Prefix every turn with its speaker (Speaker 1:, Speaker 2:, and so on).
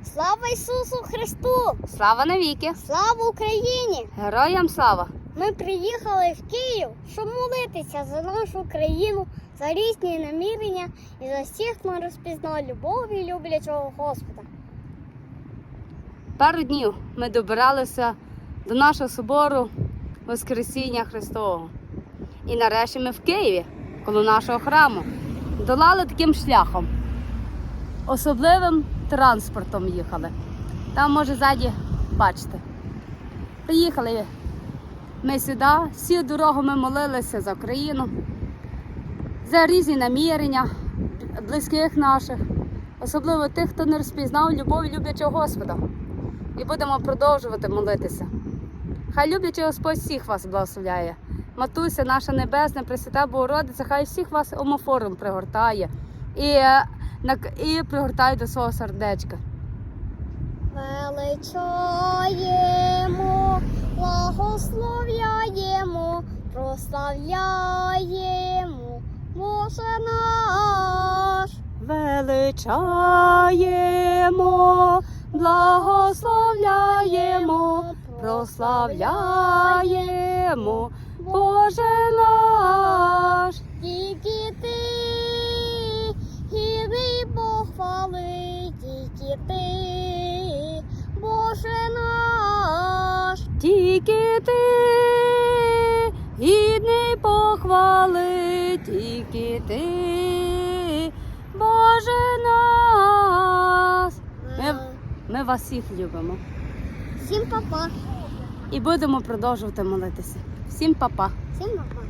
Speaker 1: Слава Ісусу Христу!
Speaker 2: Слава навіки!
Speaker 1: Слава Україні!
Speaker 2: Героям слава!
Speaker 1: Ми приїхали в Київ, щоб молитися за нашу країну, за різні намірення і за всіх, хто розпізнав любов і люблячого Господа.
Speaker 2: Пару днів ми добиралися до нашого собору Воскресіння Христового. І нарешті ми в Києві, коло нашого храму, долали таким шляхом. Особливим транспортом їхали. Там, може, ззаді, бачите. Приїхали ми сюди, всю дорогу ми молилися за Україну, за різні намірення близьких наших, особливо тих, хто не розпізнав любов і люблячого Господа. І будемо продовжувати молитися. Хай люблячий Господь всіх вас благословляє. Матуся наша Небесна, Пресвята Богородиця, хай всіх вас омофором пригортає і пригортає до свого сердечка.
Speaker 1: Величаємо, благословляємо, прославляємо, Боже наш.
Speaker 2: Величаємо, благословляємо, прославляємо, Боже наш.
Speaker 1: Тільки ти, гідний похвали, тільки ти, Боже наш.
Speaker 2: Тільки ти, гідний похвали, тільки ти, Боже наш. Ми вас всіх любимо.
Speaker 1: Всім па-па.
Speaker 2: І будемо продовжувати молитися. Всім па-па.
Speaker 1: Всім па-па.